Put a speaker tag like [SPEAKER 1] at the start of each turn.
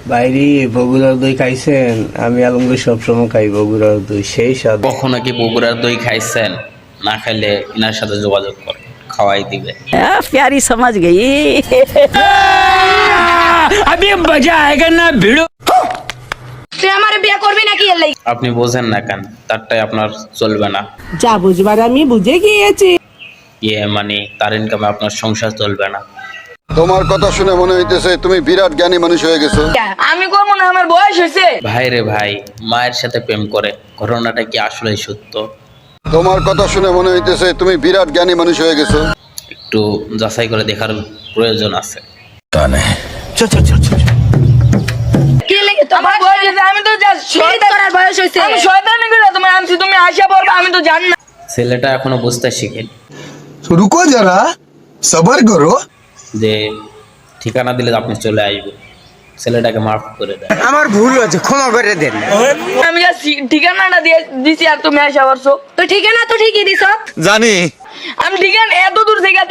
[SPEAKER 1] বাইরে বগুড়ার দই খাইছেন? আমি আলমগীর সবসময় খাই বগুড়ার দই, সেই স্বাদ।
[SPEAKER 2] কখনো কি বগুড়ার দই খাইছেন? না খাইলে এনার সাথে যোগাযোগ করেন, খাওয়াই দিবে।
[SPEAKER 3] प्यारी समझ गई।
[SPEAKER 4] अभी मजा आएगा ना भिड़ो।
[SPEAKER 5] তুই আমার বিয়ে করবি নাকি এর লাগি?
[SPEAKER 2] আপনি বোঝেন না কেন? তারটাই আপনার চলবে না।
[SPEAKER 3] যা বুঝবার আমি বুঝে গিয়েছি।
[SPEAKER 2] মানে তার ইনকামে আপনার সংসার চলবে না।
[SPEAKER 6] তোমার কথা শুনে মনে হইতেছে তুমি বিরাট জ্ঞানী মানুষ হয়ে গেছো।
[SPEAKER 5] আমি করবো না, আমার বয়স হয়েছে।
[SPEAKER 2] ভাই রে ভাই, মায়ের সাথে প্রেম করে, ঘটনাটা কি আসলেই সত্য?
[SPEAKER 6] তোমার কথা শুনে মনে হইতেছে তুমি বিরাট জ্ঞানী মানুষ হয়ে গেছো।
[SPEAKER 2] একটু যাচাই করে দেখার প্রয়োজন আছে।
[SPEAKER 5] কি লাগি তোমার বয়স হয়েছে? আমি তো জাস্ট শয়তান করার বয়স হয়েছে। আমি শয়তানি করে তুমি আনছি, তুমি আশা পড়বে আমি তো জানি না।
[SPEAKER 2] ছেলেটা এখনো বুঝতে শিখেনি
[SPEAKER 7] रुको जरा सबर करो।
[SPEAKER 2] যে ঠিকানা দিলে আপনি চলে আসবেন। ছেলেটাকে মাফ করে দেন।
[SPEAKER 4] আমার ভুল হয়েছে, ক্ষমা করে দেন।
[SPEAKER 5] আমি জাস্ট ঠিকানাটা দিয়ে দিছি আর তুমি আশা করছো। তো ঠিকানা তো ঠিকই দিছ।
[SPEAKER 7] জানি
[SPEAKER 5] আমি ঠিকানা এত দূর থেকে